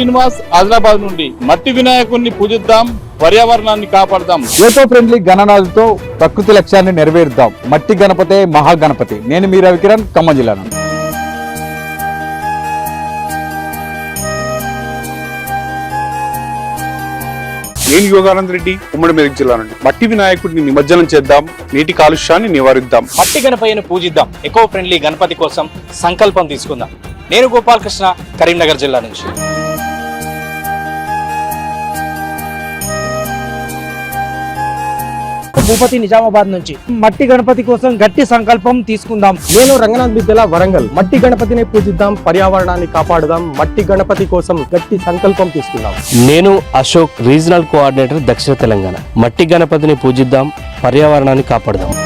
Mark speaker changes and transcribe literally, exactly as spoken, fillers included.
Speaker 1: శ్రీనివాస్ ఆదిలాబాద్ నుండి. మట్టి వినాయకుడిని పూజిద్దాం, పర్యావరణాన్ని కాపాడదాం.
Speaker 2: ఏకో ఫ్రెండ్లీ గణనాలతో ప్రకృతి లక్ష్యాన్ని నెరవేరుద్దాం. మట్టి గణపతే మహాగణపతి. నేను మీ రవికిరణ్, ఖమ్మం జిల్లా నుండి.
Speaker 3: నేను యోగానంద్ రెడ్డి, ఉమ్మడి మెదక్ జిల్లా నుండి. మట్టి వినాయకుడిని నిమజ్జనం చేద్దాం, నీటి కాలుష్యాన్ని నివారిద్దాం.
Speaker 4: మట్టి గణపయ్యను పూజిద్దాం, ఎకో ఫ్రెండ్లీ గణపతి కోసం సంకల్పం తీసుకుందాం. నేను గోపాలకృష్ణ, కరీంనగర్ జిల్లా నుంచి.
Speaker 5: భూపతి, నిజామాబాద్ నుంచి. మట్టి గణపతి కోసం గట్టి సంకల్పం తీసుకుందాం.
Speaker 6: నేను రంగనాథ్ బిద్దెల, వరంగల్. మట్టి గణపతిని పూజిద్దాం, పర్యావరణాన్ని కాపాడుదాం. మట్టి గణపతి కోసం గట్టి సంకల్పం తీసుకుందాం.
Speaker 7: నేను అశోక్, రీజనల్ కోఆర్డినేటర్, దక్షిణ తెలంగాణ. మట్టి గణపతిని పూజిద్దాం, పర్యావరణాన్ని కాపాడుదాం.